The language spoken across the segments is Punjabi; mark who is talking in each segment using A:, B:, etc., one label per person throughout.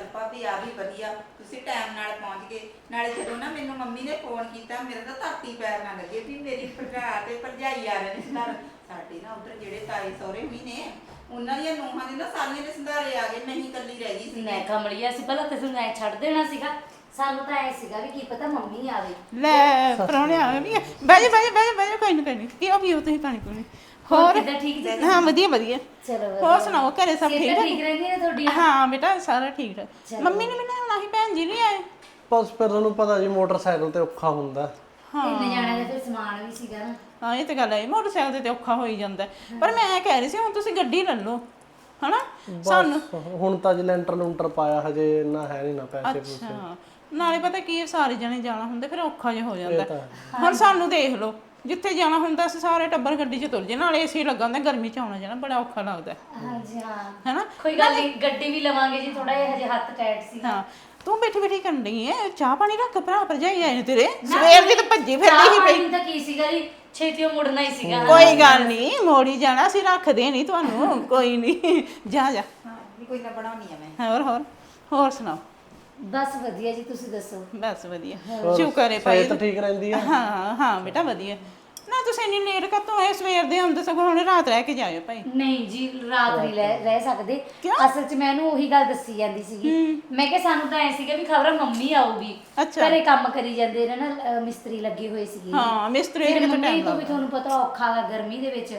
A: ਭਾਬੀ ਆ ਵੀ ਵਧੀਆ ਤੁਸੀਂ ਟਾਈਮ ਨਾਲ ਪਹੁੰਚ ਗਏ। ਨਾਲੇ ਜਦੋਂ ਨਾ ਮੈਨੂੰ ਮੰਮੀ ਨੇ ਫੋਨ ਕੀਤਾ ਮੇਰਾ ਤਾਂ ਧਰਤੀ ਪੈਰ ਨਾ ਲੱਗੇ ਵੀ ਮੇਰੀ ਭਰਾ ਤੇ ਭਰਜਾਈ ਆ ਰਹੇ ਨੇ ਸੰਧਾਰ। ਸਾਡੇ ਨਾ ਉਧਰ ਜਿਹੜੇ ਤਾਏ ਸਹੁਰੇ ਵੀ ਨੇ ਉਹਨਾਂ ਦੀਆਂ ਨੂੰਹਾਂ ਦੇ ਨਾ ਸਾਰੀਆਂ ਦੇ ਸੰਧਾਰੇ ਆ ਗਏ, ਮੈਂ ਹੀ ਇਕੱਲੀ ਰਹਿ ਗਈ ਸੀ।
B: ਮੈਂ ਕਮਲੀਆ ਸੀ ਭਲਾ ਤੇ ਤੂੰ ਐ ਛੱਡ ਦੇਣਾ ਸੀਗਾ। ਸਾਨੂੰ ਤਾਂ ਐ ਸੀਗਾ ਵੀ ਕੀ ਪਤਾ ਮੰਮੀ ਆਵੇ।
C: ਲੈ ਪਰੌਣੇ ਆ ਗਏ ਬਹਿ ਜਾ ਕੋਈ ਨਹੀਂ ਪੀਓ ਤੁਸੀਂ ਪਾਣੀ ਪੂਣੀ। ਹੋਰ
B: ਕਿੱਦਾਂ ਠੀਕ ਜੀ?
C: ਹਾਂ ਵਧੀਆ
B: ਚਲੋ
C: ਹੋਰ ਸੁਣਾਓ ਘਰੇ ਸਭ ਠੀਕ
B: ਸਿਹਤਾਂ
C: ਠਾਕ?
B: ਠੀਕ ਰਹਿੰਦੀ ਨੇ ਤੁਹਾਡੀ?
C: ਹਾਂ ਬੇਟਾ ਸਾਰਾ ਠੀਕ ਠਾਕ। ਮੰਮੀ ਨੇ ਮੈਨੂੰ ਆਉਣਾ ਸੀ, ਭੈਣ ਜੀ ਨਹੀਂ ਆਏ।
D: ਬਸ ਫਿਰ ਤੁਹਾਨੂੰ ਪਤਾ ਜੀ ਮੋਟਰਸਾਈਕਲ ਤੇ ਔਖਾ ਹੁੰਦਾ।
B: ਤਿੰਨ ਜਾਣਿਆਂ ਦਾ ਫਿਰ ਸਮਾਨ ਵੀ ਸੀਗਾ ਨਾ।
C: ਹਾਂ ਇਹ ਤਾਂ ਗੱਲ ਹੈ, ਮੋਟਰਸਾਈਕਲ ਤੇ ਔਖਾ ਹੋ ਹੀ ਜਾਂਦਾ। ਪਰ ਮੈਂ ਕਹਿ ਰਹੀ ਸੀ ਹੁਣ ਤੁਸੀਂ ਗੱਡੀ ਲੈ ਲਓ ਹਨਾ ਸਾਨੂੰ।
D: ਹੁਣ ਤਾਂ ਜੀ ਲੈਂਟਰ ਲੂੰਟਰ ਪਾਇਆ, ਹਜੇ ਇੰਨਾ ਹੈ ਨਹੀਂ ਨਾ ਪੈਸੇ ਪੂਸੇ।
C: ਅੱਛਾ ਨਾਲੇ ਪਤਾ ਕੀ ਸਾਰੇ ਜਣੇ ਜਾਣਾ ਹੁੰਦਾ ਫਿਰ ਔਖਾ ਜਿਹਾ ਹੋ ਜਾਂਦਾ। ਹੁਣ ਸਾਨੂੰ ਦੇਖ ਲਓ ਜਿੱਥੇ ਜਾਣਾ ਹੁੰਦਾ ਅਸੀਂ ਸਾਰੇ ਟੱਬਰ ਗੱਡੀ 'ਚ ਤੁਰ ਜੇ, ਨਾਲੇ ਏਸੀ ਲੱਗਾ ਹੁੰਦਾ, ਗਰਮੀ 'ਚ ਆਉਣਾ ਜਾਣਾ ਬੜਾ ਔਖਾ ਲੱਗਦਾ
B: ਹਾਂਜੀ ਹਾਂ
C: ਹੈਨਾ।
B: ਕੋਈ ਗੱਲ ਨਹੀਂ, ਗੱਡੀ ਵੀ ਲਵਾਂਗੇ ਜੀ, ਥੋੜਾ ਜਿਹਾ ਹਜੇ ਹੱਥ ਟਾਈਟ ਸੀ।
C: ਹਾਂ ਤੂੰ ਬੈਠੀ ਕਰਨ ਡਈ ਐ, ਚਾਹ ਪਾਣੀ ਰੱਖ, ਭਰਾ ਭਰਜਾਈ ਆਏ ਨੇ ਤੇਰੇ ਸਵੇਰ ਦੀ ਤਾਂ ਭੱਜੀ ਫਿਰਦੀ ਸੀ ਪਈ।
B: ਤਾਂ ਕੀ ਸੀਗਾ ਜੀ, ਛੇਤੀਓ ਮੁੜਨਾ ਹੀ ਸੀਗਾ।
C: ਕੋਈ ਗੱਲ ਨਹੀਂ ਮੋੜੀ ਜਾਣਾ, ਅਸੀਂ ਰੱਖਦੇ ਨਹੀਂ ਤੁਹਾਨੂੰ ਕੋਈ ਨਹੀਂ। ਜਾ
A: ਹਾਂ ਕੋਈ ਨਾ ਬਣਾਉਣੀ ਆ ਮੈਂ।
C: ਹੋਰ ਸੁਣਾਓ?
B: ਬਸ ਵਧੀਆ ਜੀ, ਤੁਸੀਂ ਦੱਸੋ?
C: ਬਸ ਵਧੀਆ ਸ਼ੁਕਰ ਹੈ ਭਾਈ।
D: ਸਿਹਤ ਠੀਕ ਰਹਿੰਦੀ ਆ?
C: ਹਾਂ ਬੇਟਾ ਵਧੀਆ। ਨਾ ਤੁਸੀਂ ਇੰਨੀ ਲੇਟ ਕਾਤੋਂ ਆਏ? ਸਵੇਰ ਦੇ ਆਉਂਦੇ ਸਗੋਂ ਹੁਣ ਰਾਤ ਰਹਿ ਕੇ ਜਾਇਓ ਭਾਈ।
B: ਨਹੀਂ ਜੀ ਰਾਤ ਨਹੀਂ ਰਹਿ ਸਕਦੇ। ਅਸਲ 'ਚ ਮੈਂ ਇਹਨੂੰ ਉਹੀ ਗੱਲ ਦੱਸੀ ਜਾਂਦੀ ਸੀਗੀ। ਮੈਂ ਕਿਹਾ ਸਾਨੂੰ ਤਾਂ ਐ ਸੀਗਾ ਵੀ ਖਬਰ ਮੰਮੀ ਆਊਗੀ, ਘਰੇ ਕੰਮ ਕਰੀ ਜਾਂਦੇ ਨੇ ਨਾ, ਮਿਸਤਰੀ ਲੱਗੇ ਹੋਏ ਸੀਗੇ।
C: ਹਾਂ ਮਿਸਤਰੀ
B: ਫਿਰ
C: ਕਿਤੇ
B: ਮੰਮੀ
C: ਟਾਈਮ
B: ਤੋਂ ਵੀ ਤੁਹਾਨੂੰ ਪਤਾ ਔਖਾ ਗਾ ਗਰਮੀ ਦੇ ਵਿੱਚ,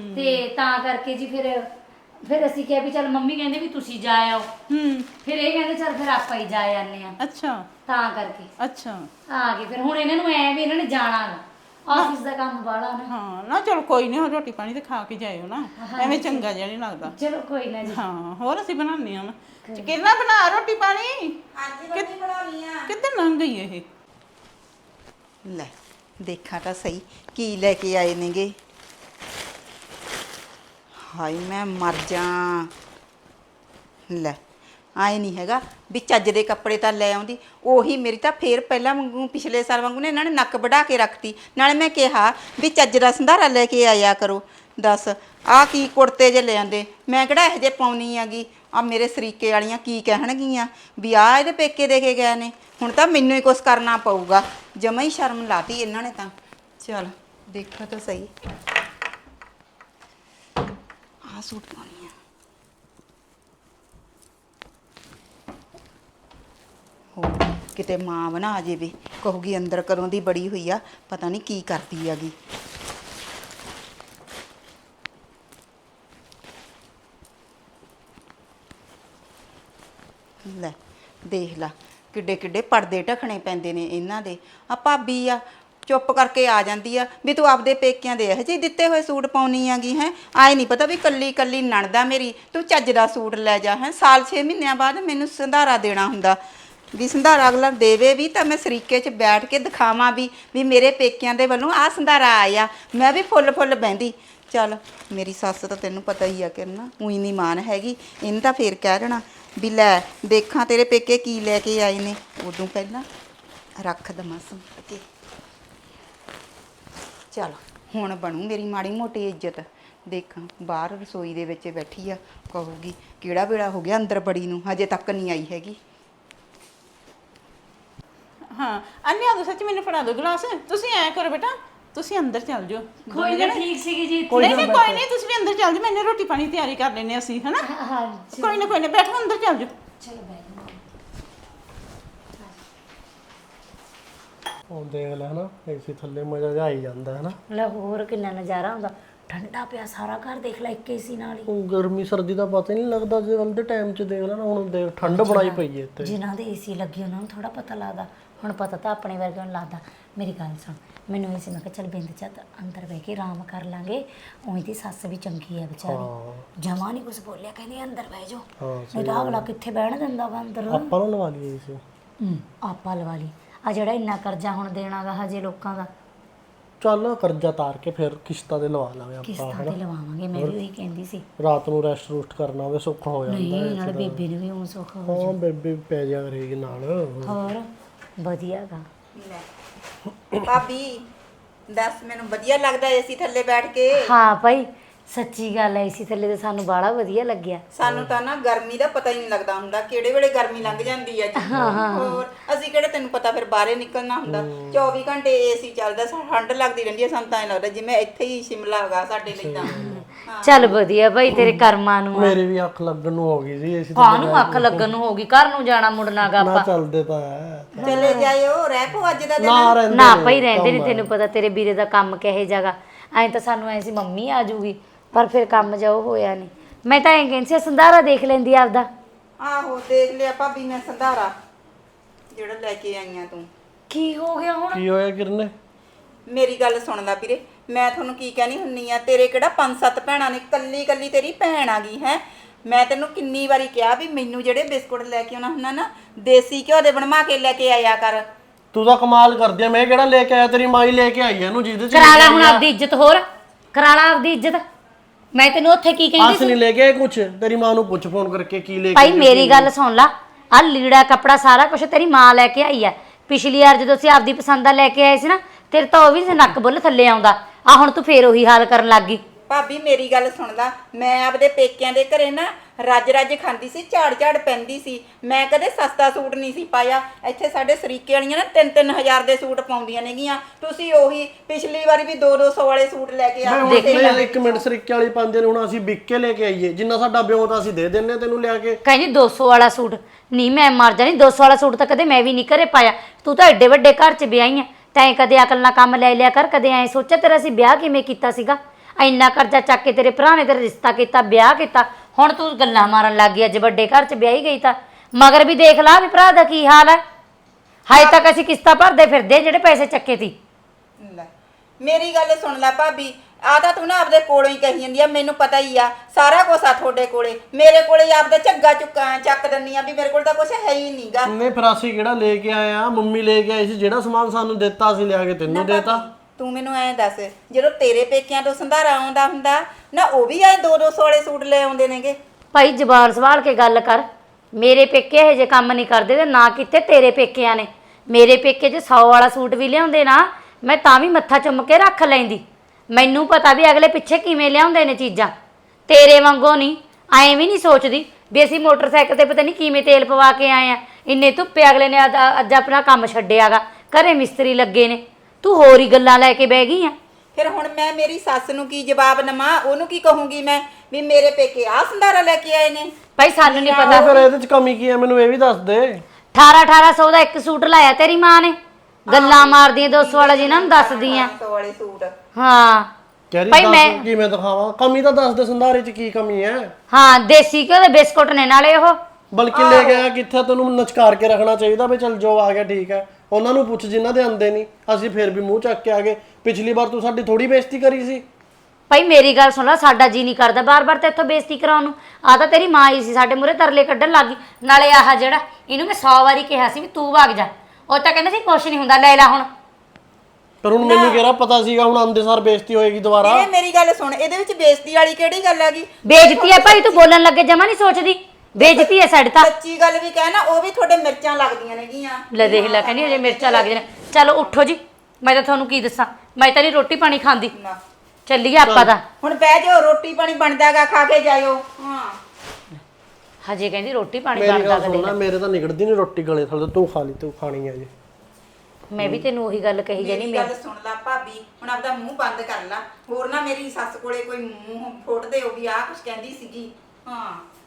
B: ਤੇ ਤਾਂ ਕਰਕੇ ਜੀ ਫਿਰ ਅਸੀਂ ਕਿਹਾ ਵੀ ਚੱਲ ਮੰਮੀ ਕਹਿੰਦੇ ਵੀ ਤੁਸੀਂ ਜਾ ਆਓ। ਫਿਰ ਇਹ ਕਹਿੰਦੇ ਚੱਲ ਫਿਰ ਆਪਾਂ ਹੀ ਜਾ ਆਨੇ ਆ।
C: ਅੱਛਾ
B: ਤਾਂ ਕਰਕੇ
C: ਅੱਛਾ
B: ਆ ਗਏ। ਫਿਰ ਹੁਣ ਇਹਨਾਂ ਨੂੰ ਐ ਵੀ ਇਹਨਾਂ ਨੇ ਜਾਣਾ ਨਾ, ਆਫਿਸ ਦਾ ਕੰਮ ਵਾਲਾ ਨਾ।
C: ਹਾਂ ਨਾ ਚਲ ਕੋਈ ਨਹੀਂ, ਰੋਟੀ ਪਾਣੀ ਤੇ ਖਾ ਕੇ ਜਾਇਓ ਨਾ, ਐਵੇਂ ਚੰਗਾ ਜਿਹਾ ਨਹੀਂ ਲੱਗਦਾ।
B: ਚਲੋ ਕੋਈ ਨਾ ਜੀ।
C: ਹਾਂ ਹੋਰ ਅਸੀਂ ਬਣਾਉਂਦੇ ਆ ਨਾ। ਕਿੰਨਾ ਬਣਾ ਰੋਟੀ ਪਾਣੀ?
A: ਹਾਂਜੀ ਰੋਟੀ ਬਣਾਉਣੀ ਆ।
C: ਕਿੱਧਰ ਲੰਘ ਗਈ ਇਹ?
A: ਲੈ ਦੇਖਾਂ ਤਾਂ ਸਹੀ ਕੀ ਲੈ ਕੇ ਆਏ ਨੇਗੇ। ਹਾਏ ਮੈਂ ਮਰ ਜਾ। ਲੈ ਆਏ ਨਹੀਂ ਹੈਗਾ ਵੀ ਚੱਜ ਦੇ ਕੱਪੜੇ ਤਾਂ ਲੈ ਆਉਂਦੀ। ਉਹੀ ਮੇਰੀ ਤਾਂ ਫੇਰ ਪਹਿਲਾਂ ਵਾਂਗੂ ਪਿਛਲੇ ਸਾਲ ਵਾਂਗੂ ਨੇ ਇਹਨਾਂ ਨੇ ਨੱਕ ਵਢਾ ਕੇ ਰੱਖਤੀ। ਨਾਲੇ ਮੈਂ ਕਿਹਾ ਵੀ ਚੱਜ ਦਾ ਸੰਧਾਰਾ ਲੈ ਕੇ ਆਇਆ ਕਰੋ। ਦੱਸ ਆਹ ਕੀ ਕੁੜਤੇ ਜੇ ਲੈ ਆਂਦੇ, ਮੈਂ ਕਿਹੜਾ ਇਹੋ ਜਿਹੇ ਪਾਉਣੀ ਹੈਗੀ। ਆ ਮੇਰੇ ਸਰੀਕੇ ਵਾਲੀਆਂ ਕੀ ਕਹਿਣਗੀਆਂ ਵੀ ਆਹ ਇਹਦੇ ਪੇਕੇ ਦੇ ਕੇ ਗਏ ਨੇ। ਹੁਣ ਤਾਂ ਮੈਨੂੰ ਹੀ ਕੁਛ ਕਰਨਾ ਪਊਗਾ। ਜਮਾ ਹੀ ਸ਼ਰਮ ਲਾਤੀ ਇਹਨਾਂ ਨੇ ਤਾਂ। ਚਲ ਦੇਖੋ ਤਾਂ ਸਹੀ ਆਹ ਸੂਟ ਪਾਉਣੀ ਆ। ਹੋ ਕਿਤੇ ਮਾਂ ਬਣਾ ਜਾਵੇ, ਕਹੂਗੀ ਅੰਦਰ ਕਦੋਂ ਦੀ ਬੜੀ ਹੋਈ ਆ, ਪਤਾ ਨਹੀਂ ਕੀ ਕਰਦੀ ਹੈਗੀ। ਲੈ ਦੇਖ ਲਾ ਕਿੱਡੇ ਕਿੱਡੇ ਪਰਦੇ ਢਕਣੇ ਪੈਂਦੇ ਨੇ ਇਹਨਾਂ ਦੇ। ਆ ਭਾਬੀ ਆ ਚੁੱਪ ਕਰਕੇ ਆ ਜਾਂਦੀ ਆ ਵੀ ਤੂੰ ਆਪਦੇ ਪੇਕਿਆਂ ਦੇ ਇਹੋ ਜਿਹੇ ਦਿੱਤੇ ਹੋਏ ਸੂਟ ਪਾਉਣੀ ਆਗੀ ਹੈ। ਆਏ ਨਹੀਂ ਪਤਾ ਵੀ ਕੱਲੀ ਨਣਦਾ ਮੇਰੀ ਤੂੰ ਚੱਜ ਦਾ ਸੂਟ ਲੈ ਜਾ ਹੈ। ਸਾਲ 6 ਮਹੀਨਿਆਂ ਬਾਅਦ ਮੈਨੂੰ ਸੰਧਾਰਾ ਦੇਣਾ ਹੁੰਦਾ ਵੀ ਸੰਧਾਰਾ ਅਗਲਾ ਦੇਵੇ ਵੀ ਤਾਂ ਮੈਂ ਸਰੀਕੇ 'ਚ ਬੈਠ ਕੇ ਦਿਖਾਵਾਂ ਵੀ ਮੇਰੇ ਪੇਕਿਆਂ ਦੇ ਵੱਲੋਂ ਆਹ ਸੰਧਾਰਾ ਆਇਆ। ਮੈਂ ਵੀ ਫੁੱਲ ਬਹਿੰਦੀ। ਚੱਲ ਮੇਰੀ ਸੱਸ ਤਾਂ ਤੈਨੂੰ ਪਤਾ ਹੀ ਆ ਕਿ ਨਾ ਊਈ ਨਹੀਂ ਮਾਨ ਹੈਗੀ। ਇਹਨੂੰ ਤਾਂ ਫੇਰ ਕਹਿ ਦੇਣਾ ਵੀ ਲੈ ਦੇਖਾਂ ਤੇਰੇ ਪੇਕੇ ਕੀ ਲੈ ਕੇ ਆਏ ਨੇ। ਉਦੋਂ ਪਹਿਲਾਂ ਰੱਖ ਦਵਾਂ ਸੰਭਾਲ ਕੇ। ਚੱਲ ਹੁਣ ਬਣੂ ਮੇਰੀ ਮਾੜੀ ਮੋਟੀ ਇੱਜ਼ਤ। ਦੇਖਾਂ ਬਾਹਰ ਰਸੋਈ ਦੇ ਵਿੱਚ ਬੈਠੀ ਆ, ਕਹੂਗੀ ਕਿਹੜਾ ਵੇਲਾ ਹੋ ਗਿਆ ਅੰਦਰ ਬੜੀ ਨੂੰ, ਹਜੇ ਤੱਕ ਨਹੀਂ ਆਈ ਹੈਗੀ।
C: ਹਾਂ ਅੰਨਿਆ ਦੋ ਸੱਚ ਮੈਨੂੰ ਫੜਾ ਦਿਓ ਗਲਾਸ। ਤੁਸੀਂ ਐ ਕਰੋ ਬੇਟਾ ਤੁਸੀਂ ਅੰਦਰ ਚੱਲ ਜਾਓ।
B: ਕੋਈ ਨਾ ਠੀਕ ਸੀਗੀ ਜੀ।
C: ਨਹੀਂ ਕੋਈ ਨਹੀਂ ਤੁਸੀਂ ਵੀ ਅੰਦਰ ਚੱਲ ਜਾਓ, ਮੈਨੇ ਰੋਟੀ ਪਾਣੀ ਤਿਆਰੀ ਕਰ ਲੈਨੇ ਅਸੀਂ ਹਨਾ।
B: ਹਾਂ
C: ਕੋਈ ਨਾ ਬੈਠੋ ਅੰਦਰ ਚੱਲ ਜਾਓ।
B: ਚਲੋ ਬੈਠੋ।
D: ਉਹ ਦੇਖ ਲੈ ਹਨਾ ਏਸੀ ਥੱਲੇ ਮਜ਼ਾ ਜਿਹਾ ਆਈ ਜਾਂਦਾ ਹਨਾ।
B: ਲੈ ਹੋਰ ਕਿੰਨਾ ਨਜ਼ਾਰਾ ਹੁੰਦਾ, ਠੰਡਾ ਪਿਆ ਸਾਰਾ ਘਰ। ਦੇਖ ਲੈ ਇੱਕ ਏਸੀ ਨਾਲ ਹੀ।
D: ਉਹ ਗਰਮੀ ਸਰਦੀ ਦਾ ਪਤਾ ਹੀ ਨਹੀਂ ਲੱਗਦਾ। ਜੇ ਕੱਲ ਦੇ ਟਾਈਮ 'ਚ ਦੇਖ ਲੈ ਨਾ, ਹੁਣ ਦੇਖ ਠੰਡ ਬਣਾਈ ਪਈ ਹੈ ਇੱਥੇ।
B: ਜਿਨ੍ਹਾਂ ਦੇ ਏਸੀ ਲੱਗੇ ਉਹਨਾਂ ਨੂੰ ਥੋੜਾ ਪਤਾ ਲੱਗਦਾ। ਹੁਣ ਪਤਾ ਤਾਂ ਆਪਣੇ ਵਰਗਿਆਂ ਨੂੰ ਲੱਗਦਾ। ਮੇਰੀ ਗੱਲ ਸੁਣ, ਮੈਨੂੰ ਇਹ ਸੀ ਮੈਂ ਕਿਹਾ ਚੱਲ ਬਿੰਦ ਚੱਤ ਅੰਦਰ ਬਹਿ ਕੇ ਆਰਾਮ ਕਰ ਲਾਂਗੇ। ਉਹੀ ਦੀ ਸੱਸ ਵੀ ਚੰਗੀ ਹੈ ਵਿਚਾਰੀ, ਜਮਾ ਨਹੀਂ ਕੁਛ ਬੋਲਿਆ, ਕਹਿੰਦੀ ਅੰਦਰ ਬਹਿ ਜਾਓ। ਨਹੀਂ ਤਾਂ ਅਗਲਾ ਕਿੱਥੇ ਬਹਿਣ ਦਿੰਦਾ ਵਾ ਅੰਦਰ।
D: ਆਪਾਂ ਨੂੰ ਲਵਾ ਲਈਏ ਏਸੀ।
B: ਆਪਾਂ ਲਵਾ ਲਈ। ਆ ਜਿਹੜਾ ਇੰਨਾ ਕਰਜ਼ਾ ਹੁਣ ਦੇਣਾ ਗਾ ਹਜੇ ਲੋਕਾਂ ਦਾ,
D: ਚੱਲ ਕਰਜ਼ਾ ਤਾਰ ਕੇ ਫਿਰ ਕਿਸ਼ਤਾਂ ਤੇ ਲਵਾ ਲਾਂਗੇ ਆਪਾਂ।
B: ਕਿਸ਼ਤਾਂ ਤੇ ਲਵਾਵਾਂਗੇ। ਮੈਂ ਵੀ ਉਹੀ ਕਹਿੰਦੀ ਸੀ।
D: ਰਾਤ ਨੂੰ ਰੈਸਟ ਰੂਸਟ ਕਰਨਾ ਹੋਵੇ ਸੌਖਾ ਹੋ ਜਾਂਦਾ।
B: ਨਹੀਂ ਨਾਲ ਬੇਬੇ ਨੂੰ ਵੀ ਹੁਣ ਸੁੱਖ ਹੋ
D: ਹਾਂ ਬੇਬੇ ਪੈ ਜਾ ਕਰੇਗੀ ਨਾਲ।
B: ਹੋਰ ਵਧੀਆ ਗਾ।
A: ਲੈ ਭਾਬੀ ਦੱਸ ਮੈਨੂੰ ਵਧੀਆ ਲੱਗਦਾ ਏਸੀ ਥੱਲੇ ਬੈਠ ਕੇ।
B: ਹਾਂ ਭਾਈ ਸੱਚੀ ਗੱਲ ਐ, ਇਸੀ ਥੱਲੇ ਤੇ ਸਾਨੂੰ ਬਾਹਲਾ ਵਧੀਆ ਲੱਗਿਆ।
A: ਸਾਨੂੰ ਤਾਂ ਨਾ ਗਰਮੀ ਦਾ ਪਤਾ ਹੀ ਨਹੀਂ ਲੱਗਦਾ ਹੁੰਦਾ, ਕਿਹੜੇ ਵੇਲੇ ਗਰਮੀ ਲੰਘ ਜਾਂਦੀ ਹੈ ਜੀ। ਹੋਰ ਅਸੀਂ ਕਿਹੜੇ, ਤੈਨੂੰ ਪਤਾ ਫਿਰ ਬਾਹਰੇ ਨਿਕਲਣਾ ਹੁੰਦਾ, 24 ਘੰਟੇ ਏਸੀ ਚੱਲਦਾ, ਠੰਡ ਲੱਗਦੀ ਰਹਿੰਦੀ ਹੈ। ਸਾਨੂੰ ਤਾਂ ਐਂ ਲੱਗਦਾ ਜਿਵੇਂ ਇੱਥੇ ਹੀ ਸ਼ਿਮਲਾ ਹੈਗਾ ਸਾਡੇ ਲਈ ਤਾਂ।
B: ਚੱਲ ਵਧੀਆ ਭਾਈ, ਤੇਰੇ ਕਰਮਾਂ ਨੂੰ ਆ।
D: ਮੇਰੀ ਵੀ ਅੱਖ ਲੱਗਣ ਨੂੰ ਹੋ ਗਈ ਸੀ ਏਸੀ
B: ਕਾਹਨੂੰ ਅੱਖ ਲੱਗਣ ਨੂੰ ਹੋ ਗਈ, ਘਰ ਨੂੰ ਜਾਣਾ ਮੁੜਨਾਗਾ
D: ਨਾ
B: ਆਪਾਂ।
D: ਚੱਲਦੇ ਤਾਂ ਹੈ
A: ਚਲੇ ਜਾਇਓ, ਰਹਿ ਪੋ ਅੱਜ ਦਾ ਦਿਨ।
D: ਨਾ ਰਹਿੰਦੇ
B: ਨਾ ਭਾਈ ਰਹਿੰਦੇ ਨਹੀਂ, ਤੈਨੂੰ ਪਤਾ ਤੇਰੇ ਵੀਰੇ ਦਾ ਕੰਮ ਕਿਹੇ ਜਗਾ। ਐਂ ਤਾਂ ਸਾਨੂੰ ਐ ਸੀ ਮੰਮੀ ਆ ਜੂਗੀ, ਪਰ ਫਿਰ ਕੰਮ ਜਾਓ ਹੋਇਆ ਨਹੀਂ। ਮੈਂ ਤਾਂ ਐਂ ਕਹਿੰਦੀ ਸੀ ਸੰਧਾਰਾ ਦੇਖ ਲੈਂਦੀ ਆਪਦਾ।
A: ਆਹੋ ਦੇਖ ਲਿਆ ਭਾਬੀ ਮੈਂ ਸੰਧਾਰਾ ਜਿਹੜਾ ਲੈ ਕੇ ਆਈਆਂ ਤੂੰ।
B: ਕੀ ਹੋ ਗਿਆ ਹੁਣ?
D: ਕੀ ਹੋਇਆ ਕਿਰਨੇ?
A: ਮੇਰੀ ਗੱਲ ਸੁਣ ਲੈ ਵੀਰੇ, ਮੈਂ ਤੁਹਾਨੂੰ ਕੀ ਕਹਿਣੀ ਹੁੰਨੀ ਆ, ਤੇਰੇ ਕਿਹੜਾ 5-7 ਭੈਣਾਂ ਨੇ, ਕੱਲੀ ਕੱਲੀ ਤੇਰੀ ਭੈਣ ਆ ਗਈ ਹੈ। ਮੈਂ ਤੈਨੂੰ ਕਿੰਨੀ ਵਾਰੀ ਕਿਹਾ ਵੀ ਮੈਨੂੰ ਜਿਹੜੇ ਬਿਸਕੁਟ ਲੈ ਕੇ ਆਉਣਾ ਹੁੰਦਾ ਨਾ, ਦੇਸੀ ਘਿਓ ਦੇ ਬਣਵਾ ਕੇ ਲੈ ਕੇ ਆਇਆ ਕਰ।
D: ਤੂੰ ਤਾਂ ਕਮਾਲ ਕਰਦੀ ਆ, ਮੈਂ ਕਿਹੜਾ ਲੈ ਕੇ ਆਇਆ, ਤੇਰੀ ਮਾਈ ਲੈ ਕੇ ਆਈ ਆ ਇਹਨੂੰ ਜਿਹਦੇ ਚ
B: ਕਰਾ ਲੈ ਹੁਣ ਆਪਦੀ ਇੱਜ਼ਤ, ਹੋਰ ਕਰਾ ਲੈ ਆਪਦੀ ਇੱਜ਼ਤ। ਮੈਂ ਤੈਨੂੰ ਉੱਥੇ ਕੀ ਕਹਿੰਦੀ
D: ਅਸ ਨਹੀਂ ਲੈ ਕੇ ਆਏ ਕੁਛ, ਤੇਰੀ ਮਾਂ ਨੂੰ ਪੁੱਛ ਫੋਨ ਕਰਕੇ ਕੀ ਲੈ ਕੇ
B: ਭਾਈ ਮੇਰੀ ਗੱਲ ਸੁਣ ਲਾ, ਆ ਲੀੜਾ ਕੱਪੜਾ ਸਾਰਾ ਕੁਝ ਤੇਰੀ ਮਾਂ ਲੈ ਕੇ ਆਈ ਆ। ਪਿਛਲੀ ਵਾਰ ਜਦੋਂ ਅਸੀਂ ਆਪਦੀ ਪਸੰਦ ਦਾ ਲੈ ਕੇ ਆਏ ਸੀ ਨਾ, ਤੇਰੇ ਤਾਂ ਉਹ ਵੀ ਨੱਕ ਬੁੱਲ ਥੱਲੇ ਆਉਂਦਾ। ਆ ਹੁਣ ਤੂੰ ਫੇਰ ਉਹੀ ਹਾਲ ਕਰਨ ਲੱਗ ਗਈ।
A: ਭਾਬੀ ਮੇਰੀ ਗੱਲ ਸੁਣ ਲਾ, ਮੈਂ ਆਪਦੇ ਪੇਕਿਆਂ ਦੇ ਘਰੇ ਨਾ ਰੱਜ ਖਾਂਦੀ ਸੀ, ਝਾੜ ਪੈਂਦੀ ਸੀ। ਮੈਂ ਕਦੇ ਸਸਤਾ ਸੂਟ ਨਹੀਂ ਸੀ ਪਾਇਆ। ਇੱਥੇ ਸਾਡੇ ਸਰੀਕੇ ਵਾਲੀਆਂ ਨਾ 3-3 ਹਜ਼ਾਰ ਦੇ ਸੂਟ ਪਾਉਂਦੀਆਂ ਨੇਗੀਆਂ। ਤੁਸੀਂ ਉਹੀ ਪਿਛਲੀ ਵਾਰੀ ਵੀ 200 ਵਾਲੇ ਸੂਟ ਲੈ ਕੇ ਆ
D: ਮੈਂ ਇੱਕ ਮਿੰਟ ਸਰੀਕੇ ਵਾਲੀ ਪਾਉਂਦੇ ਨੇ, ਹੁਣ ਅਸੀਂ ਵਿਕ ਕੇ ਲੈ ਕੇ ਆਈਏ, ਜਿੰਨਾ ਸਾਡਾ ਬਿਓ ਤਾਂ ਅਸੀਂ ਦੇ ਦਿੰਨੇ ਤੈਨੂੰ ਲਿਆ ਕੇ।
B: ਕਹਿੰਦੀ 200 ਵਾਲਾ ਸੂਟ ਨਹੀਂ, ਮੈਂ ਮਰ ਜਾਣੀ। 200 ਵਾਲਾ ਸੂਟ ਤਾਂ ਕਦੇ ਮੈਂ ਵੀ ਨਹੀਂ ਘਰੇ ਪਾਇਆ। ਤੂੰ ਤਾਂ ਐਡੇ ਵੱਡੇ ਘਰ 'ਚ ਵਿਆਹੀ ਆ, ਤੈਂ ਕਦੇ ਅਕਲ ਨਾਲ ਕੰਮ ਲੈ ਲਿਆ ਕਰ। ਕਦੇ ਐਂ ਸੋਚਿਆ ਤੇਰਾ ਅਸੀਂ ਵਿਆਹ ਕਿਵੇਂ ਕੀਤਾ ਸੀਗਾ? ਇੰਨਾ ਕਰਜ਼ਾ ਚੱਕ ਕੇ ਤੇਰੇ ਭਰਾ ਨੇ ਤੇਰਾ ਰਿਸ਼ਤਾ ਕੀਤਾ, ਵਿਆਹ ਕੀਤਾ, ਹੁਣ ਤੂੰ ਗੱਲਾਂ ਮਾਰਨ ਲੱਗ ਗਈ। ਅੱਜ ਵੱਡੇ ਘਰ 'ਚ ਵਿਆਹੀ ਗਈ ਤਾਂ ਮਗਰ ਵੀ ਦੇਖ ਲਾ ਵੀ ਭਰਾ ਦਾ ਕੀ ਹਾਲ ਹੈ। ਹਾਏ ਤੱਕ ਅਸੀਂ ਕਿਸ਼ਤਾਂ ਭਰਦੇ ਫਿਰਦੇ ਜਿਹੜੇ ਪੈਸੇ ਚੱਕੇ ਤੀ।
A: ਲੈ ਮੇਰੀ ਗੱਲ ਸੁਣ ਲੈ ਭਾਬੀ, ਆ ਤਾਂ ਤੂੰ ਨਾ ਆਪਦੇ ਕੋਲੋਂ ਹੀ ਕਹੀ ਜਾਂਦੀ ਆ। ਮੈਨੂੰ ਪਤਾ ਹੀ ਆ ਸਾਰਾ ਕੁਝ ਆ ਤੁਹਾਡੇ ਕੋਲੇ, ਮੇਰੇ ਕੋਲੇ ਆਪਦਾ ਝੱਗਾ ਚੱਕ ਦਿੰਨੀ ਆ ਵੀ ਮੇਰੇ ਕੋਲ ਤਾਂ ਕੁਝ ਹੈ ਹੀ ਨਹੀਂਗਾ।
D: ਨਹੀਂ ਫਿਰ ਅਸੀਂ ਕਿਹੜਾ ਲੈ ਕੇ ਆਏ ਆ, ਮੰਮੀ ਲੈ ਕੇ ਆਈ ਸੀ। ਜਿਹੜਾ ਸਮਾਨ ਸਾਨੂੰ ਦਿੱਤਾ ਅਸੀਂ ਲਿਆ ਕੇ ਤੈਨੂੰ ਦੇਤਾ।
A: ਤੂੰ ਮੈਨੂੰ ਐਂ ਦੱਸ, ਜਦੋਂ ਤੇਰੇ ਪੇਕਿਆਂ ਤੋਂ ਸੰਧਾਰਾ ਆਉਂਦਾ ਹੁੰਦਾ ਨਾ, ਉਹ ਵੀ ਐ 200 ਵਾਲੇ ਸੂਟ ਲੈ ਆਉਂਦੇ ਨੇਗੇ।
B: ਭਾਈ ਜ਼ਬਾਨ ਸੰਭਾਲ ਕੇ ਗੱਲ ਕਰ। ਮੇਰੇ ਪੇਕੇ ਇਹੋ ਜਿਹੇ ਕੰਮ ਨਹੀਂ ਕਰਦੇ ਤੇ ਨਾ ਕਿਤੇ ਤੇਰੇ ਪੇਕਿਆਂ ਨੇ। ਮੇਰੇ ਪੇਕੇ 'ਚ 100 ਵਾਲਾ ਸੂਟ ਵੀ ਲਿਆਉਂਦੇ ਨਾ, ਮੈਂ ਤਾਂ ਵੀ ਮੱਥਾ ਚੁੰਮ ਕੇ ਰੱਖ ਲੈਂਦੀ। ਮੈਨੂੰ ਪਤਾ ਵੀ ਅਗਲੇ ਪਿੱਛੇ ਕਿਵੇਂ ਲਿਆਉਂਦੇ ਨੇ ਚੀਜ਼ਾਂ। ਤੇਰੇ ਵਾਂਗੋ ਨਹੀਂ, ਐਂ ਵੀ ਨਹੀਂ ਸੋਚਦੀ ਵੀ ਅਸੀਂ ਮੋਟਰਸਾਈਕਲ ਤੇ ਪਤਾ ਨਹੀਂ ਕਿਵੇਂ ਤੇਲ ਪਵਾ ਕੇ ਆਏ ਆ। ਇੰਨੇ ਧੁੱਪੇ ਅਗਲੇ ਨੇ ਅੱਜ ਆਪਣਾ ਕੰਮ ਛੱਡਿਆਗਾ, ਘਰੇ ਮਿਸਤਰੀ ਲੱਗੇ ਨੇ, ਤੂੰ ਹੋਰ ਹੀ ਗੱਲਾਂ ਲੈ ਕੇ ਬਹਿ ਗਈ ਆ।
A: ਫਿਰ ਹੁਣ ਮੈਂ ਮੇਰੀ ਸੱਸ ਨੂੰ ਕੀ ਜਵਾਬ ਦਵਾਂ? ਉਹਨੂੰ ਕੀ ਕਹੂੰਗੀ ਮੈਂ ਵੀ ਮੇਰੇ ਪੇਕੇ ਆ ਸੰਧਾਰਾ ਲੈ ਕੇ ਆਏ ਨੇ?
B: ਭਾਈ ਸਾਨੂੰ ਨਹੀਂ ਪਤਾ।
D: ਫਿਰ ਇਹਦੇ ਚ ਕਮੀ ਕੀ ਹੈ, ਮੈਨੂੰ ਇਹ ਵੀ ਦੱਸ ਦੇ।
B: 1800 ਦਾ ਇੱਕ ਸੂਟ ਲਾਇਆ ਤੇਰੀ ਮਾਂ ਨੇ। ਗੱਲਾਂ ਮਾਰਦੀਆਂ 200 ਵਾਲਾ ਜਿਨ੍ਹਾਂ ਨੂੰ ਦੱਸਦੀਆਂ।
A: 200 ਵਾਲੇ ਸੂਟ
B: ਹਾਂ
D: ਕਹਿ ਰਹੀ
B: ਭਾਈ
D: ਦੱਸ
B: ਮੈਂ-
D: ਕਿਵੇਂ ਦਿਖਾਵਾਂ? ਕਮੀ ਤਾਂ ਦੱਸ ਦੇ, ਸੰਧਾਰੇ ਚ ਕੀ ਕਮੀ ਹੈ?
B: ਹਾਂ, ਦੇਸੀ ਘਿਓ ਦੇ ਬਿਸਕੁਟ ਨੇ ਨਾਲੇ ਉਹ।
D: ਬਲਕਿ ਲੈ ਗਿਆ ਕਿੱਥੇ, ਤੈਨੂੰ ਨਚਕਾਰ ਕੇ ਰੱਖਣਾ ਚਾਹੀਦਾ ਵੀ ਚੱਲ ਜੋ ਆ ਗਿਆ ਠੀਕ ਹੈ। ਉਹਨਾਂ ਨੂੰ ਪੁੱਛ ਜਿਨ੍ਹਾਂ ਦੇ ਆਂਦੇ ਨਹੀਂ, ਅਸੀਂ ਫਿਰ ਵੀ ਮੂੰਹ ਚੱਕ ਕੇ ਆ ਗਏ। ਪਿਛਲੀ ਵਾਰ ਤੂੰ ਸਾਡੀ ਥੋੜੀ ਬੇਇੱਜ਼ਤੀ ਕਰੀ ਸੀ।
B: ਭਾਈ ਮੇਰੀ ਗੱਲ ਸੁਣ ਲੈ, ਸਾਡਾ ਜੀ ਨਹੀਂ ਕਰਦਾ ਬਾਰ-ਬਾਰ ਤੇ ਇੱਥੋਂ ਬੇਇੱਜ਼ਤੀ ਕਰਾਉਣ ਨੂੰ। ਆ ਤਾਂ ਤੇਰੀ ਮਾਂ ਹੀ ਸੀ ਸਾਡੇ ਮੂਹਰੇ ਤਰਲੇ ਕੱਢਣ ਲੱਗੀ। ਨਾਲੇ ਆਹ ਜਿਹੜਾ ਇਹਨੂੰ ਮੈਂ 100 ਵਾਰੀ ਕਿਹਾ ਸੀ ਵੀ ਤੂੰ ਵਗ ਜਾ, ਉਹ ਤਾਂ ਕਹਿੰਦਾ ਸੀ ਕੁਛ ਨਹੀਂ ਹੁੰਦਾ, ਲੈ ਲੈ ਹੁਣ।
D: ਪਰ ਹੁਣ ਮੈਨੂੰ ਕਿਹੜਾ ਪਤਾ ਸੀਗਾ ਹੁਣ ਆਂਦੇ ਸਾਰ ਬੇਇੱਜ਼ਤੀ ਹੋਏਗੀ ਦੁਬਾਰਾ।
A: ਇਹ ਮੇਰੀ ਗੱਲ ਸੁਣ, ਇਹਦੇ ਵਿੱਚ ਬੇਇੱਜ਼ਤੀ ਵਾਲੀ ਕਿਹੜੀ ਗੱਲ ਹੈਗੀ?
B: ਬੇਇੱਜ਼ਤੀ ਹੈ ਭਾਈ, ਤੂੰ ਬੋਲਣ ਲੱਗੇ ਜਮਾ ਨਹੀਂ ਸੋਚਦੀ। ਬੇਇੱਜ਼ਤੀ ਹੈ ਸਾਡੇ ਤਾਂ।
A: ਸੱਚੀ ਗੱਲ ਵੀ ਕਹਿ ਨਾ, ਉਹ ਵੀ ਤੁਹਾਡੇ ਮਿਰਚਾਂ ਲੱਗਦੀਆਂ ਨੇਗੀਆਂ।
B: ਲੈ ਦੇਖ ਲੈ, ਕਹਿੰਦੀ ਅਜੇ ਮਿਰਚਾਂ ਲੱਗਦੀਆਂ ਨੇ। ਚਲੋ ਉੱਠੋ ਜੀ, ਮੈਂ ਤਾਂ ਤੁਹਾਨੂੰ ਕੀ ਦੱਸਾਂ, ਮੈਂ ਤਾਂ ਨਹੀਂ ਰੋਟੀ ਪਾਣੀ ਖਾਂਦੀ।
A: ਨਾ
B: ਚੱਲੀਏ ਆਪਾਂ ਤਾਂ।
A: ਹੁਣ ਬਹਿ ਜਾਓ, ਰੋਟੀ ਪਾਣੀ ਬਣਦਾਗਾ, ਖਾ ਕੇ ਜਾਇਓ। ਹਾਂ
B: ਹਜੇ ਕਹਿੰਦੀ ਰੋਟੀ ਪਾਣੀ
D: ਮੇਰੀ
B: ਬਣਦਾ
D: ਗੱਲ
B: ਕਦੇ।
D: ਸੁਣ ਲੈ, ਮੇਰੇ ਤਾਂ ਨਿਕੜਦੀ ਨਹੀਂ ਰੋਟੀ ਗਲੇ ਥੱਲੇ। ਤੂੰ ਖਾ ਲਈ, ਤੂੰ ਖਾਣੀ ਹੈ ਜੀ।
B: ਮੈਂ ਵੀ ਤੈਨੂੰ ਉਹੀ ਗੱਲ ਕਹੀ ਜਾਨੀ।
A: ਮੇਰੀ ਗੱਲ ਸੁਣ ਲੈ ਭਾਬੀ, ਹੁਣ ਆਪਦਾ ਮੂੰਹ ਬੰਦ ਕਰ ਲੈ। ਹੋਰ ਨਾ ਮੇਰੀ ਸੱਸ ਕੋਲੇ ਕੋਈ ਮੂੰਹ ਫੋੜ ਦੇ ਉਹ ਵੀ ਆਹ ਕੁਛ ਕਹਿੰਦੀ ਸੀਗੀ। ਹਾਂ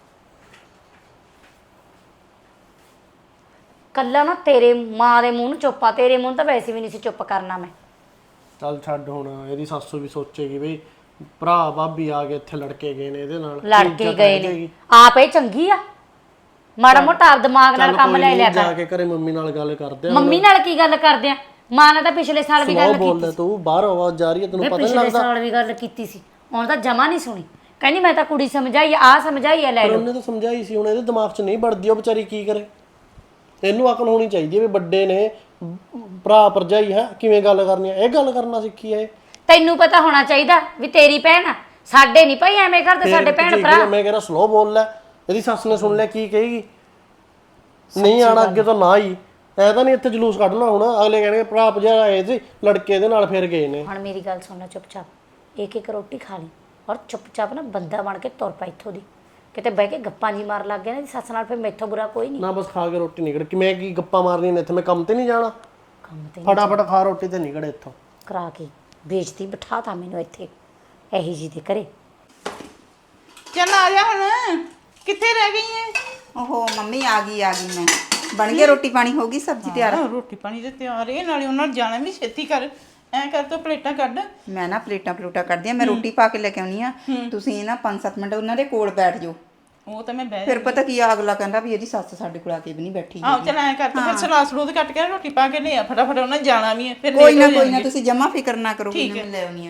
B: ਕੱਲਾ ਨਾ ਤੇਰੇ ਮਾਂ ਦੇ ਮੂੰਹ ਨੂੰ ਚੁੱਪਾ, ਤੇਰੇ ਮੂੰਹ ਨੂੰ ਤਾਂ ਵੈਸੇ ਵੀ ਨਹੀਂ ਸੀ ਚੁੱਪ ਕਰਨਾ ਮੈਂ।
D: ਚੱਲ ਛੱਡ, ਹੁਣ ਇਹਦੀ ਸੱਸ ਵੀ ਸੋਚੇਗੀ ਬਈ ਭਰਾ ਭਾਬੀ ਆ ਕੇ ਇੱਥੇ ਲੜਕੇ ਗਏ ਨੇ ਇਹਦੇ ਨਾਲ,
B: ਲੜ ਕੇ ਗਏ ਨੇ। ਆਪ ਇਹ ਚੰਗੀ ਆ, ਮਾੜਾ ਮੋਟਾ ਆਪ ਦਿਮਾਗ ਨਾਲ ਕੰਮ ਲੈ ਲਿਆ
D: ਜਾ
B: ਕਰ।
D: ਕੇ ਘਰੇ ਮੰਮੀ ਨਾਲ ਗੱਲ ਕਰਦੇ ਆ।
B: ਮੰਮੀ ਨਾਲ ਕੀ ਗੱਲ ਕਰਦੇ ਆ? ਮਾਂ ਨਾਲ ਤਾਂ ਪਿਛਲੇ ਸਾਲ ਵੀ ਗੱਲ ਕੀਤੀ
D: ਬੋਲਦਾ ਤੂੰ, ਬਾਹਰ ਆਵਾਜ਼ ਜਾ ਰਹੀ ਹੈ, ਤੈਨੂੰ
B: ਮੈਂ
D: ਪਤਾ ਨਹੀਂ
B: ਪਿਛਲੇ
D: ਲੱਗਦਾ?
B: ਸਾਲ ਵੀ ਗੱਲ ਕੀਤੀ ਸੀ, ਹੁਣ ਤਾਂ ਜਮਾ ਨਹੀਂ ਸੁਣੀ। ਕਹਿੰਦੀ ਮੈਂ ਤਾਂ ਕੁੜੀ ਸਮਝਾਈ ਆ ਸਮਝਾਈ ਆ, ਲੈ
D: ਪਰ
B: ਲਓ।
D: ਉਹਨੇ ਤਾਂ ਸਮਝਾਈ ਸੀ, ਹੁਣ ਇਹਦੇ ਦਿਮਾਗ 'ਚ ਨਹੀਂ ਵੜਦੀ, ਉਹ ਵਿਚਾਰੀ ਕੀ ਕਰੇ? ਇਹਨੂੰ ਅਕਲ ਹੋਣੀ ਚਾਹੀਦੀ ਹੈ ਵੀ ਵੱਡੇ ਨੇ, ਭਰਾ ਭਰਜਾਈ ਹੈ, ਕਿਵੇਂ ਗੱਲ ਕਰਨੀ ਹੈ। ਇਹ ਗੱਲ ਕਰਨਾ ਸਿੱਖੀ ਹੈ।
B: ਤੈਨੂੰ ਪਤਾ ਹੋਣਾ ਚਾਹੀਦਾ ਵੀ ਤੇਰੀ ਭੈਣ ਆ, ਸਾਡੇ ਨਹੀਂ ਭਾਈ ਐਵੇਂ ਕਰਦੇ ਸਾਡੇ ਭੈਣ ਭਰਾ।
D: ਮੈਂ ਕਹਿੰਦਾ ਸਲੋ ਬੋਲ ਲੈ, ਇਹਦੀ ਸੱਸ ਨੇ ਸੁਣ ਲਿਆ ਕੀ ਕਹੇਗੀ? ਨਹੀਂ ਆਣਾ ਅੱਗੇ ਤੋਂ ਨਾ ਹੀ, ਐ ਤਾਂ ਨਹੀਂ ਇੱਥੇ ਜਲੂਸ ਕੱਢਣਾ ਹੁਣ। ਅਗਲੇ ਕਹਿਣਗੇ ਭਰਾ ਭਰਜਾਈ ਆਏ ਸੀ ਲੜਕੇ ਦੇ ਨਾਲ ਫਿਰ ਗਏ ਨੇ।
B: ਹੁਣ ਮੇਰੀ ਗੱਲ ਸੁਣਨਾ ਚੁੱਪਚਾਪ, ਇੱਕ ਇੱਕ ਰੋਟੀ ਖਾ ਲਈ, ਔਰ ਚੁੱਪਚਾਪ ਨਾ ਬੰਦਾ ਬਣ ਕੇ ਤੁਰ ਪਾ ਇੱਥੋਂ ਦੀ। ਕਿਤੇ ਬਹਿ ਕੇ ਗੱਪਾਂ ਜੀ ਮਾਰ ਲੱਗ ਗਿਆ ਨਾ ਦੀ ਸੱਸ ਨਾਲ, ਫਿਰ ਮੈਥੋਂ ਬੁਰਾ ਕੋਈ ਨਹੀਂ।
D: ਨਾ ਬਸ ਖਾ ਕੇ ਰੋਟੀ ਨਿਕੜ ਕਿ ਮੈਂ ਕੀ ਗੱਪਾਂ ਮਾਰਨੀ ਨੇ ਇੱਥੇ, ਮੈਂ ਕੰਮ ਤੇ ਨਹੀਂ ਜਾਣਾ।
B: ਕੰਮ ਤੇ
D: ਫਟਾਫਟ ਖਾ ਰੋਟੀ ਤੇ ਨਿਕੜ ਇੱਥੋਂ।
B: ਕਰਾ ਕੇ ਵੇਚਤੀ, ਬਿਠਾ ਤਾ ਮੈਨੂੰ ਇੱਥੇ ਇਹੀ ਜੀ ਦੇ ਘਰੇ।
C: ਚੱਲ ਆ ਜਾ ਹੁਣ, ਕਿੱਥੇ ਰਹਿ ਗਈ ਐ?
A: ਓਹੋ ਮੰਮੀ ਆ ਗਈ ਮੈਂ। ਬਣ ਗਿਆ ਰੋਟੀ ਪਾਣੀ, ਹੋ ਗਈ ਸਬਜ਼ੀ ਤਿਆਰ?
C: ਰੋਟੀ ਪਾਣੀ ਤੇ ਤਿਆਰ ਏ, ਨਾਲੇ ਉਹਨਾਂ ਨੇ ਜਾਣਾ ਵੀ ਛੇਤੀ ਕਰ। ਐ ਕਰ ਤੋ ਪਲੇਟਾਂ ਕੱਢ।
A: ਮੈਂ ਨਾ ਪਲੇਟਾਂ ਕੱਢਦੀ ਆ, ਮੈਂ ਰੋਟੀ ਪਾ ਕੇ ਲੈ ਕੇ ਆਉਣੀ ਆ। ਤੁਸੀਂ ਨਾ 5-7 ਮਿੰਟ ਉਹਨਾਂ ਦੇ ਕੋਲ ਬੈਠ ਜਾਓ।
C: ਉਹ ਤਾਂ ਮੈਂ ਬਹਿ
A: ਫਿਰ ਪਤਾ ਕੀ ਆ, ਅਗਲਾ ਕਹਿੰਦਾ ਵੀ ਇਹਦੀ ਸੱਸ ਸਾਡੇ ਕੋਲ ਆ ਕੇ ਵੀ ਨਹੀਂ ਬੈਠੀ।
C: ਆਹ ਚੱਲ ਐ ਕਰ ਤੋ ਫਿਰ ਸਲਾਦ ਸਲੂਦ ਕੱਟ ਕੇ ਰੋਟੀ ਪਾ ਕੇ ਲਿਆ ਫਟਾਫਟ, ਉਹਨਾਂ ਨੇ ਜਾਣਾ ਵੀ ਐ। ਫਿਰ
A: ਕੋਈ
C: late ਹੋ
A: ਨਾ
C: ਜਾਣਗੇ।
A: ਤੁਸੀਂ ਜਮਾ ਫਿਕਰ ਨਾ ਕਰੋ, ਮੈਂ ਲੈ ਆਉਣੀ ਆ।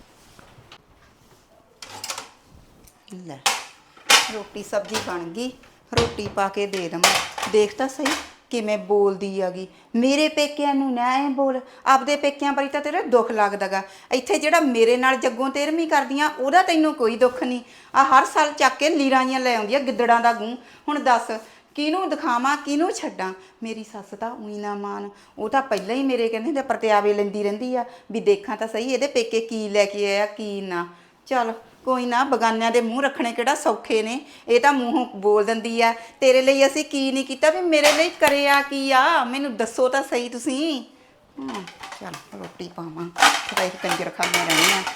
A: ਲੈ ਰੋਟੀ ਸਬਜ਼ੀ ਬਣ ਗਈ, ਰੋਟੀ ਪਾ ਕੇ ਦੇ ਦਵਾਂ। ਦੇਖ ਤਾਂ ਸਹੀ ਕਿਵੇਂ ਬੋਲਦੀ ਆਗੀ। ਮੇਰੇ ਪੇਕਿਆਂ ਨੂੰ ਨਾ ਐ ਬੋਲ, ਆਪਦੇ ਪੇਕਿਆਂ ਬਾਰੇ ਤਾਂ ਤੇਰਾ ਦੁੱਖ ਲੱਗਦਾਗਾ। ਇੱਥੇ ਜਿਹੜਾ ਮੇਰੇ ਨਾਲ ਜੱਗੋਂ ਤੇਰਵੀਂ ਕਰਦੀਆਂ ਉਹਦਾ ਤੈਨੂੰ ਕੋਈ ਦੁੱਖ ਨਹੀਂ। ਆ ਹਰ ਸਾਲ ਚੱਕ ਕੇ ਲੀਰਾਂੀਆਂ ਲੈ ਆਉਂਦੀ ਆ ਗਿੱਦੜਾਂ ਦਾ ਗੂੰ। ਹੁਣ ਦੱਸ ਕਿਹਨੂੰ ਦਿਖਾਵਾਂ, ਕਿਹਨੂੰ ਛੱਡਾਂ? ਮੇਰੀ ਸੱਸ ਤਾਂ ਉਹੀ ਨਾ ਮਾਨ, ਉਹ ਤਾਂ ਪਹਿਲਾਂ ਹੀ ਮੇਰੇ ਕਹਿੰਦੇ ਤੇ ਪ੍ਰਤਿਆਵੇ ਲੈਂਦੀ ਰਹਿੰਦੀ ਆ ਵੀ ਦੇਖਾਂ ਤਾਂ ਸਹੀ ਇਹਦੇ ਪੇਕੇ ਕੀ ਲੈ ਕੇ ਆਇਆ ਕੀ ਨਾ। ਚੱਲ ਕੋਈ ਨਾ, ਬਗਾਨਿਆਂ ਦੇ ਮੂੰਹ ਰੱਖਣੇ ਕਿਹੜਾ ਸੌਖੇ ਨੇ। ਇਹ ਤਾਂ ਮੂੰਹੋਂ ਬੋਲ ਦਿੰਦੀ ਆ। ਤੇਰੇ ਲਈ ਅਸੀਂ ਕੀ ਨਹੀਂ ਕੀਤਾ, ਵੀ ਮੇਰੇ ਲਈ ਕਰਿਆ ਕੀ ਆ, ਮੈਨੂੰ ਦੱਸੋ ਤਾਂ ਸਹੀ ਤੁਸੀਂ। ਚੱਲ ਰੋਟੀ ਪਾਵਾਂ, ਖਰਾਈ ਕੰਜਰ ਖਾਣੇ ਰਹਿਣੀ ਆ।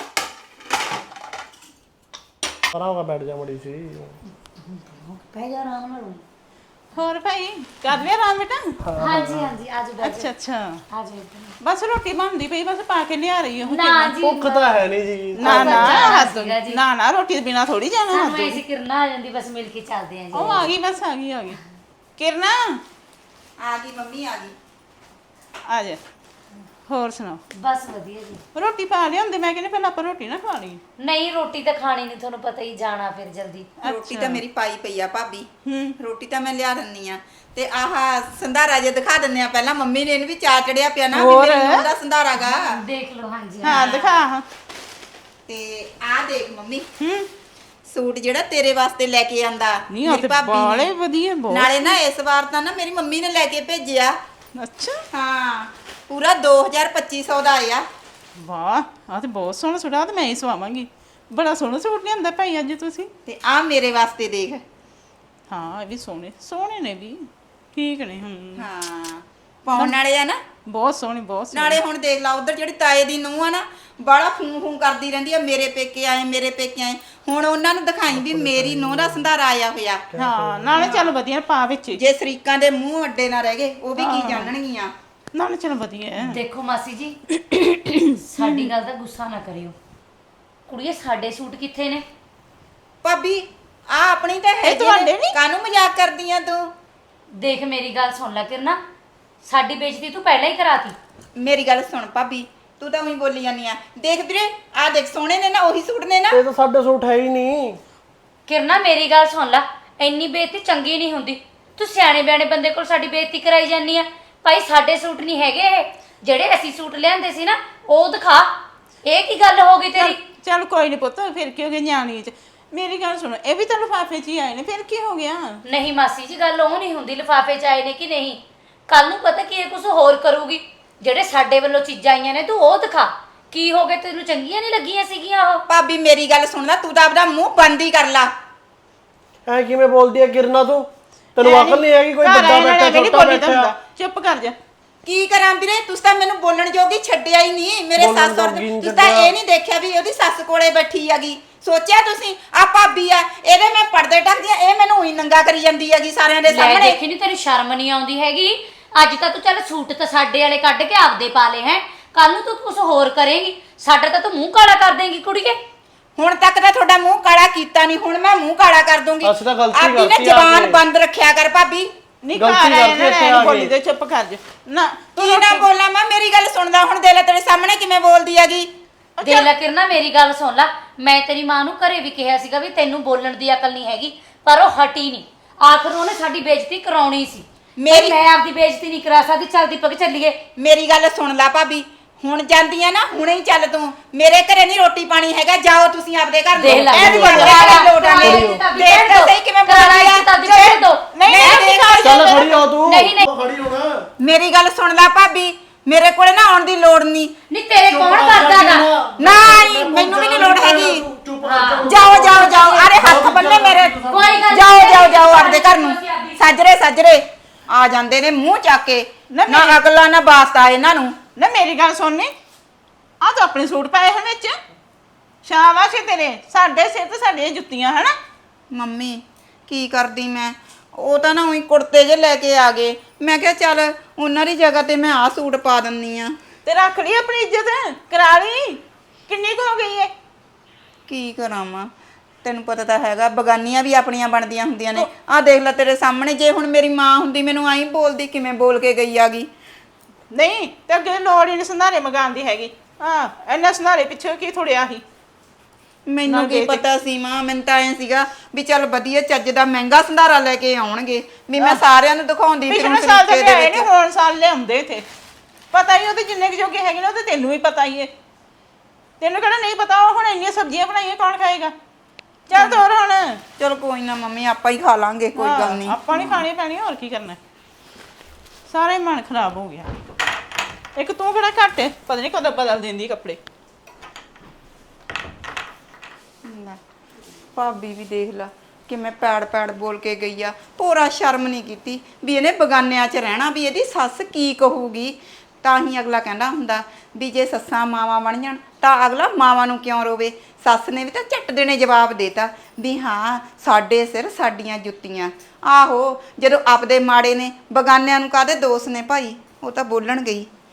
D: ਪਰਾਂ ਹੋ ਕੇ ਬੈਠ ਜਾ ਮੜੀ ਸੀ।
B: ਬਹਿ ਜਾ ਆਰਾਮ ਨਾਲ।
C: ਹੋਰ ਭਾਈ ਕਰ ਲਿਆ ਆਰਾਮ ਬੇਟਾ?
B: ਹਾਂਜੀ ਹਾਂਜੀ ਆਜੋ ਬੈਠੋ।
C: ਅੱਛਾ
B: ਆਜੋ।
C: ਬਸ ਰੋਟੀ ਬਣਦੀ ਪਈ, ਬਸ ਪਾ ਕੇ ਲਿਆ ਰਹੀ ਹਾਂ।
B: ਨਾ ਜੀ
D: ਭੁੱਖ ਤਾਂ ਹੈ ਨਹੀਂ ਜੀ।
C: ਨਾ ਰੋਟੀ ਦੇ ਬਿਨਾ ਥੋੜੀ ਜਾਣਾ।
B: ਸਾਨੂੰ ਐਸੀ ਕਿਰਨਾ ਆ ਜਾਂਦੀ, ਬਸ ਮਿਲ ਕੇ ਚੱਲਦੇ ਆਂ ਜੀ।
C: ਉਹ ਆ ਗਈ, ਬਸ ਆ ਗਈ ਕਿਰਨਾ
A: ਆ ਗਈ ਮੰਮੀ, ਆ ਗਈ।
C: ਆ ਜਾ। ਹੋਰ ਸੁਣਾਓ?
B: ਬਸ ਵਧੀਆ ਜੀ।
C: ਰੋਟੀ ਪਾ ਲਿਆਉਂਦੇ, ਮੈਂ ਕਹਿੰਦੀ ਪਹਿਲਾਂ ਆਪਾਂ ਰੋਟੀ ਨਾ ਖਾ ਲਈ।
B: ਨਹੀਂ ਰੋਟੀ ਤਾਂ ਖਾਣੀ ਨਹੀਂ, ਤੁਹਾਨੂੰ ਪਤਾ ਹੀ, ਜਾਣਾ ਫਿਰ ਜਲਦੀ।
A: ਰੋਟੀ ਤਾਂ ਮੇਰੀ ਪਾਈ ਪਈ ਆ ਭਾਬੀ। ਰੋਟੀ ਤਾਂ ਮੈਂ ਲਿਆ ਦਿੰਨੀ ਆ। ਤੇ ਆਹ ਸੰਧਾਰਾ ਜੇ ਦਿਖਾ ਦਿੰਨੇ ਆ ਪਹਿਲਾਂ। ਮੰਮੀ ਨੇ ਇਹਨੂੰ ਵੀ ਚਾਅ ਚੜਿਆ ਪਿਆ ਨਾ ਵੀ ਮੇਰੇ ਨੂੰਹ ਦਾ ਸੰਧਾਰਾ ਗਾ।
B: ਦੇਖ ਲਓ। ਹਾਂਜੀ
C: ਹਾਂ ਦਿਖਾ।
A: ਤੇ ਆਹ ਦੇਖ ਮੰਮੀ, ਸੂਟ ਜਿਹੜਾ ਤੇਰੇ ਵਾਸਤੇ ਲੈ ਕੇ ਆਂਦਾ
C: ਨਹੀਂ ਆ ਤੇ ਬਾਲੇ ਵਧੀਆ ਬਹੁਤ।
A: ਨਾਲੇ ਨਾ ਇਸ ਵਾਰ ਤਾਂ ਨਾ ਮੇਰੀ ਮੰਮੀ ਨੇ ਲੈ ਕੇ ਭੇਜਿਆ।
C: ਅੱਛਾ
A: ਹਾਂ, ਪੂਰਾ 2250 ਦਾ ਆਇਆ।
C: ਵਾਹ ਆ ਤੇ ਬਹੁਤ ਸੋਹਣਾ ਸੂਟ ਆ, ਤੇ ਮੈਂ ਹੀ ਸਵਾਵਾਂਗੀ। ਬੜਾ ਸੋਹਣਾ ਸੂਟ ਲਿਆਂਦਾ ਭਾਈ ਅੱਜ ਤੁਸੀਂ।
A: ਤੇ ਆ ਮੇਰੇ ਵਾਸਤੇ ਦੇਖ।
C: ਹਾਂ ਇਹ ਵੀ ਸੋਹਣੇ ਨੇ ਵੀ, ਠੀਕ ਨੇ।
A: ਹਾਂ ਪਾਉਣ ਵਾਲੇ ਆ ਨਾ,
C: ਬਹੁਤ ਸੋਹਣੇ ਬਹੁਤ ਸੋਹਣੇ।
A: ਨਾਲੇ ਹੁਣ ਦੇਖ ਲਾ ਉਧਰ ਜਿਹੜੀ ਤਾਏ ਦੀ ਨੂੰਹ ਆ ਨਾ, ਬਾਲਾ ਫੂੰ ਕਰਦੀ ਰਹਿੰਦੀ ਆ ਮੇਰੇ ਪੇਕੇ ਆਏ, ਮੇਰੇ ਪੇਕੇ ਆਏ। ਹੁਣ ਉਹਨਾਂ ਨੂੰ ਦਿਖਾਈ ਵੀ ਮੇਰੀ ਨੂੰਹ ਦਾ ਸੰਧਾਰਾ ਆਇਆ ਹੋਇਆ।
C: ਹਾਂ ਨਾਲੇ ਚੱਲ ਵਧੀਆ ਪਾ ਵਿੱਚ।
A: ਜੇ ਸ਼ਰੀਕਾਂ ਦੇ ਮੂੰਹ ਅੱਡੇ ਨਾ ਰਹਿ ਗਏ ਉਹ ਵੀ ਕੀ ਜਾਣਣਗੀਆਂ।
C: ਨਾਲੇ ਚੱਲ ਵਧੀਆ।
B: ਦੇਖੋ ਮਾਸੀ ਜੀ, ਸਾਡੀ ਗੱਲ ਦਾ ਗੁੱਸਾ ਨਾ ਕਰਿਓ। ਕੁੜੀਏ ਸਾਡੇ ਸੂਟ ਕਿੱਥੇ ਨੇ?
A: ਭਾਬੀ ਆ ਆਪਣੀ ਤਾਂ ਹੈ
C: ਤੁਹਾਡੇ ਨੀ?
A: ਕਾਹਨੂੰ ਮਜ਼ਾਕ ਕਰਦੀਆਂ ਤੂੰ?
B: ਦੇਖ ਮੇਰੀ ਗੱਲ ਸੁਣ ਲੈ ਕਿਰਨਾ, ਸਾਡੀ ਬੇਇੱਜ਼ਤੀ ਤੂੰ ਪਹਿਲਾਂ ਹੀ ਕਰਾਤੀ।
A: ਮੇਰੀ ਗੱਲ ਸੁਣ ਭਾਬੀ, ਤੂੰ ਤਾਂ ਉਹੀ ਬੋਲੀ ਜਾਂਦੀ ਆ। ਦੇਖ ਵੀਰੇ ਆ ਦੇਖ, ਸੋਹਣੇ ਨੇ ਨਾ, ਉਹੀ ਸੂਟ ਨੇ ਨਾ।
D: ਇਹ ਤਾਂ ਸਾਡੇ ਸੂਟ ਹੈ ਹੀ ਨਹੀਂ।
B: ਕਿਰਨਾ ਮੇਰੀ ਗੱਲ ਸੁਣ ਲੈ, ਇੰਨੀ ਬੇਇੱਜ਼ਤੀ ਚੰਗੀ ਨਹੀਂ ਹੁੰਦੀ। ਤੂੰ ਸਿਆਣੇ ਬਿਆਣੇ ਬੰਦੇ ਕੋਲ ਸਾਡੀ ਬੇਇੱਜ਼ਤੀ ਕਰਾਈ ਜਾਂਦੀ ਆ। ਭਾਈ ਸਾਡੇ ਸੂਟ ਨਹੀਂ ਹੈਗੇ ਇਹ, ਜਿਹੜੇ ਅਸੀਂ ਸੂਟ ਲਿਆਂਦੇ ਸੀ ਨਾ ਉਹ ਦਿਖਾ। ਇਹ ਕੀ ਗੱਲ ਹੋ ਗਈ ਤੇਰੀ?
C: ਚੱਲ ਕੋਈ ਨਹੀਂ ਪੁੱਤ, ਫਿਰ ਕੀ ਹੋ ਗਿਆ ਨਿਆਣੀ ਚ। ਮੇਰੀ ਗੱਲ ਸੁਣੋ, ਇਹ ਵੀ ਤਾਂ ਲਿਫਾਫੇ 'ਚ ਹੀ ਆਏ ਨੇ, ਫਿਰ ਕੀ ਹੋ ਗਿਆ?
B: ਨਹੀਂ ਮਾਸੀ ਜੀ, ਗੱਲ ਉਹ ਨਹੀਂ ਹੁੰਦੀ ਲਿਫਾਫੇ 'ਚ ਆਏ ਨੇ ਕਿ ਨਹੀਂ। ਕੱਲ ਨੂੰ ਪਤਾ ਕੀ ਇਹ ਕੁਝ ਹੋਰ ਕਰੂਗੀ। ਜਿਹੜੇ ਸਾਡੇ ਵੱਲੋਂ ਚੀਜ਼ਾਂ ਆਈਆਂ ਨੇ ਤੂੰ ਉਹ ਦਿਖਾ। ਕੀ ਹੋ ਗਿਆ, ਤੈਨੂੰ ਚੰਗੀਆਂ ਨਹੀਂ ਲੱਗੀਆਂ ਸੀਗੀਆਂ ਉਹ?
A: ਭਾਬੀ ਮੇਰੀ ਗੱਲ ਸੁਣ ਲੈ, ਤੂੰ ਤਾਂ ਆਪਦਾ ਮੂੰਹ ਬੰਦ ਹੀ ਕਰ ਲਾ।
D: ਐ ਕਿਵੇਂ ਬੋਲਦੀ ਹੈ ਕਿਰਨਾ ਤੂੰ? ਤੈਨੂੰ ਅਕਲ ਨਹੀਂ ਹੈਗੀ? ਕੋਈ ਵੱਡਾ ਬੈਠਾ ਛੋਟਾ ਬੈਠਾ।
C: ਚੁੱਪ ਕਰ ਜਾ।
A: ਕੀ ਕਰਾਂ ਵੀਰੇ, ਤੁਸੀਂ ਤਾਂ ਮੈਨੂੰ ਬੋਲਣ ਜੋਗੀ ਛੱਡਿਆ ਹੀ ਨਹੀਂ। ਮੇਰੇ ਸੱਸ ਔਰ ਤੁਸੀਂ ਤਾਂ ਇਹ ਨਹੀਂ ਦੇਖਿਆ ਵੀ ਉਹਦੀ ਸੱਸ ਕੋਲੇ ਬੈਠੀ ਹੈਗੀ। ਸੋਚਿਆ ਤੁਸੀਂ ਆ ਭਾਬੀ ਆ, ਇਹਦੇ ਮੈਂ ਪਰਦੇ ਢੱਕਦੀ ਆ, ਇਹ ਮੈਨੂੰ ਉਹੀ ਨੰਗਾ ਕਰੀ ਜਾਂਦੀ ਹੈਗੀ ਸਾਰਿਆਂ ਦੇ ਸਾਹਮਣੇ।
B: ਦੇਖੀ ਨਹੀਂ ਤੈਨੂੰ ਸ਼ਰਮ ਨਹੀਂ ਆਉਂਦੀ ਹੈਗੀ? ਅੱਜ ਤਾਂ ਤੂੰ ਚੱਲ ਸੂਟ ਤਾਂ ਸਾਡੇ ਵਾਲੇ ਕੱਢ ਕੇ ਆਪਦੇ ਪਾ ਲਏ ਹੈ, ਕੱਲ ਨੂੰ ਤੂੰ ਕੁਝ ਹੋਰ ਕਰੇਂਗੀ, ਸਾਡਾ ਤਾਂ ਤੂੰ ਮੂੰਹ ਕਾਲਾ ਕਰ ਦੇਂਗੀ ਕੁੜੀਏ।
A: ਹੁਣ ਤੱਕ ਤਾਂ ਤੁਹਾਡਾ ਮੂੰਹ ਕਾਲਾ ਕੀਤਾ ਨਹੀਂ, ਹੁਣ ਮੈਂ ਮੂੰਹ ਕਾਲਾ ਕਰ ਦੂੰਗੀ।
D: ਅਸੀਂ ਤਾਂ ਗਲਤੀ
A: ਆਪਣੀ ਨਾ
D: ਕਰਤੀ
A: ਜ਼ਬਾਨ ਬੰਦ ਰੱਖਿਆ ਕਰ ਭਾਬੀ।
C: ਨਹੀਂ ਘਰ ਆਏ ਨਾ ਬੋਲੀ ਦੇ, ਚੁੱਪ ਕਰ ਜਾ ਨਾ।
A: ਕੀ ਨਾ ਬੋਲਾਂ ਮੈਂ, ਮੇਰੀ ਗੱਲ ਸੁਣਦਾ ਹੁਣ। ਦੇ ਲੈ ਤੇਰੇ ਸਾਹਮਣੇ ਕਿਵੇਂ ਬੋਲਦੀ ਹੈਗੀ।
B: ਦੇਖ ਲੈ ਕਿਰਨਾ ਮੇਰੀ ਗੱਲ ਸੁਣ ਲੈ, ਮੈਂ ਤੇਰੀ ਮਾਂ ਨੂੰ ਘਰੇ ਵੀ ਕਿਹਾ ਸੀਗਾ ਵੀ ਤੈਨੂੰ ਬੋਲਣ ਦੀ ਅਕਲ ਨਹੀਂ ਹੈਗੀ, ਪਰ ਉਹ ਹਟੀ ਨਹੀਂ। ਆਖਰ ਉਹਨੇ ਸਾਡੀ ਬੇਇੱਜ਼ਤੀ ਕਰਾਉਣੀ ਸੀ। ਮੈਂ ਆਪਦੀ ਬੇਇੱਜ਼ਤੀ ਨਹੀਂ ਕਰਾ ਸਕਦੀ। ਚੱਲ ਦੀਪਕ ਚੱਲੀਏ।
A: ਮੇਰੀ ਗੱਲ ਸੁਣ ਲੈ ਭਾਬੀ, ਹੁਣ ਜਾਂਦੀ ਆ ਨਾ, ਹੁਣੇ ਹੀ ਚੱਲ ਤੂੰ। ਮੇਰੇ ਘਰੇ ਨਹੀਂ ਰੋਟੀ ਪਾਣੀ ਹੈਗਾ, ਜਾਓ ਤੁਸੀਂ ਆਪਦੇ ਘਰ।
B: ਦੇਖ ਲੈ
A: ਇਹ ਨੀ ਬਣਦਾ ਲੋਟ ਆਲੇ। ਦੇਖ ਤਾਂ ਸਹੀ ਕਿਵੇਂ ਬੋਲਦੀ ਆ।
C: ਨਹੀਂ
D: ਚੱਲ ਖੜੀ ਹੋ ਤੂੰ।
B: ਨਹੀਂ, ਨਹੀਂ।
D: ਖੜੀ ਹੋ ਨਾ।
A: ਮੇਰੀ ਗੱਲ ਸੁਣ ਲੈ ਭਾਬੀ, ਮੇਰੇ ਕੋਲੇ ਨਾ ਆਉਣ ਦੀ ਲੋੜ ਨਹੀਂ।
B: ਨਹੀਂ ਤੇਰੇ ਕੌਣ ਕਰਦਾਗਾ?
A: ਨਾ ਮੈਨੂੰ ਵੀ ਨਹੀਂ ਲੋੜ ਹੈਗੀ। ਜਾਓ ਜਾਓ ਜਾਓ, ਅਰੇ ਹੱਥ ਬੰਨੇ ਮੇਰੇ, ਜਾਓ ਆਪਦੇ ਘਰ ਨੂੰ। ਸੱਜਰੇ ਆ ਜਾਂਦੇ ਨੇ ਮੂੰਹ ਚੱਕ ਕੇ, ਨਾ ਅਗਲਾ ਨਾ ਵਾਸਤਾ ਇਹਨਾਂ ਨੂੰ।
C: ਨਾ ਮੇਰੀ ਗੱਲ ਸੁਣਨੀ, ਆ ਤਾਂ ਆਪਣੇ ਸੂਟ ਪਾਏ ਹਨ ਵਿੱਚ, ਸ਼ਾਬਾਸ਼ ਏ ਤੇਰੇ, ਸਾਡੇ ਸਿਰ ਤੇ ਸਾਡੀਆਂ ਜੁੱਤੀਆਂ ਹਨਾ।
A: ਮੰਮੀ ਕੀ ਕਰਦੀ ਮੈਂ, ਉਹ ਤਾਂ ਨਾ ਉਹੀ ਕੁੜਤੇ ਜੇ ਲੈ ਕੇ ਆ ਗਏ, ਮੈਂ ਕਿਹਾ ਚੱਲ ਉਹਨਾਂ ਦੀ ਜਗ੍ਹਾ ਤੇ ਮੈਂ ਆਹ ਸੂਟ ਪਾ ਦਿੰਨੀ ਆ।
C: ਤੇ ਰੱਖ ਲਈ ਆਪਣੀ ਇੱਜ਼ਤ, ਕਰਾ ਲਈ। ਕਿੰਨੀ ਕੁ ਹੋ ਗਈ ਏ?
A: ਕੀ ਕਰਾਂ ਮਾਂ, ਤੈਨੂੰ ਪਤਾ ਤਾਂ ਹੈਗਾ ਬਗਾਨੀਆਂ ਵੀ ਆਪਣੀਆਂ ਬਣਦੀਆਂ ਹੁੰਦੀਆਂ ਨੇ। ਆਹ ਦੇਖ ਲੈ ਤੇਰੇ ਸਾਹਮਣੇ, ਜੇ ਹੁਣ ਮੇਰੀ ਮਾਂ ਹੁੰਦੀ ਮੈਨੂੰ ਆਈ ਬੋਲਦੀ, ਕਿਵੇਂ ਬੋਲ ਕੇ ਗਈ ਆਗੀ।
C: ਨਹੀਂ ਤੇ ਅੱਗੇ ਲੋੜ ਹੀ ਨਹੀਂ ਸੰਧਾਰੇ ਮਗਾਉਣ ਦੀ ਹੈਗੀ। ਹਾਂ, ਇੰਨਾ ਸੰਧਾਰੇ ਪਿੱਛੇ ਕੀ ਥੋੜਿਆ ਸੀ।
A: ਮੈਨੂੰ ਕੀ ਪਤਾ ਸੀ ਮਾਂ, ਮੈਨੂੰ ਤਾਂ ਐ ਸੀਗਾ ਵੀ ਚੱਲ ਵਧੀਆ ਚੱਜ ਦਾ ਮਹਿੰਗਾ ਸੰਧਾਰਾ ਲੈ ਕੇ ਆਉਣਗੇ, ਵੀ ਮੈਂ ਸਾਰਿਆਂ ਨੂੰ ਦਿਖਾਉਂਦੀ
C: ਪਿਛਲੇ ਸਾਲ ਤਾਂ ਲਿਆਏ ਨਹੀਂ, ਹੁਣ ਸਾਲ ਲਿਆਉਂਦੇ ਇੱਥੇ। ਪਤਾ ਹੀ ਉਹਦੇ ਜਿੰਨੇ ਕੁ ਜੋਗੇ ਹੈਗੇ ਨੇ ਉਹ ਤੇ ਤੈਨੂੰ ਵੀ ਪਤਾ ਹੀ ਏ। ਤੈਨੂੰ ਕਿਹੜਾ ਨਹੀਂ ਪਤਾ, ਉਹ ਹੁਣ ਇੰਨੀਆਂ ਸਬਜ਼ੀਆਂ ਬਣਾਈਆਂ ਕੌਣ ਖਾਏਗਾ। ਚੱਲ ਤੋਰ ਹੁਣ।
A: ਚਲ ਕੋਈ ਨਾ ਮੰਮੀ, ਆਪਾਂ ਹੀ ਖਾ ਲਾਂਗੇ, ਕੋਈ ਗੱਲ ਨਹੀਂ।
C: ਆਪਾਂ ਨਹੀਂ ਖਾਣੀ ਪੈਣੀ, ਹੋਰ ਕੀ ਕਰਨਾ। ਸਾਰੇ ਮਨ ਖਰਾਬ ਹੋ ਗਿਆ। ਇੱਕ ਤੂੰ ਕਿਹੜਾ ਘੱਟ ਏ, ਪਤਾ ਨਹੀਂ ਕਦੋਂ ਬਦਲ ਦਿੰਦੀ ਕੱਪੜੇ।
A: ਭਾਬੀ ਵੀ ਦੇਖ ਲਾ ਕਿਵੇਂ ਪੈੜ ਬੋਲ ਕੇ ਗਈ ਆ, ਪੂਰਾ ਸ਼ਰਮ ਨਹੀਂ ਕੀਤੀ ਵੀ ਇਹਨੇ ਬਗਾਨਿਆਂ 'ਚ ਰਹਿਣਾ, ਵੀ ਇਹਦੀ ਸੱਸ ਕੀ ਕਹੂਗੀ। ਤਾਂ ਹੀ ਅਗਲਾ ਕਹਿੰਦਾ ਹੁੰਦਾ ਵੀ ਜੇ ਸੱਸਾਂ ਮਾਵਾਂ ਬਣ ਜਾਣ ਤਾਂ ਅਗਲਾ ਮਾਵਾਂ ਨੂੰ ਕਿਉਂ ਰੋਵੇ। ਸੱਸ ਨੇ ਵੀ ਤਾਂ ਝੱਟ ਦੇਣੇ ਜਵਾਬ ਦੇਤਾ ਵੀ ਹਾਂ ਸਾਡੇ ਸਿਰ ਸਾਡੀਆਂ ਜੁੱਤੀਆਂ। ਆਹੋ, ਜਦੋਂ ਆਪਦੇ ਮਾੜੇ ਨੇ ਬਗਾਨਿਆਂ ਨੂੰ ਕਾਹਦੇ ਦੋਸ਼ ਨੇ ਭਾਈ, ਉਹ ਤਾਂ ਬੋਲਣ ਗਈ।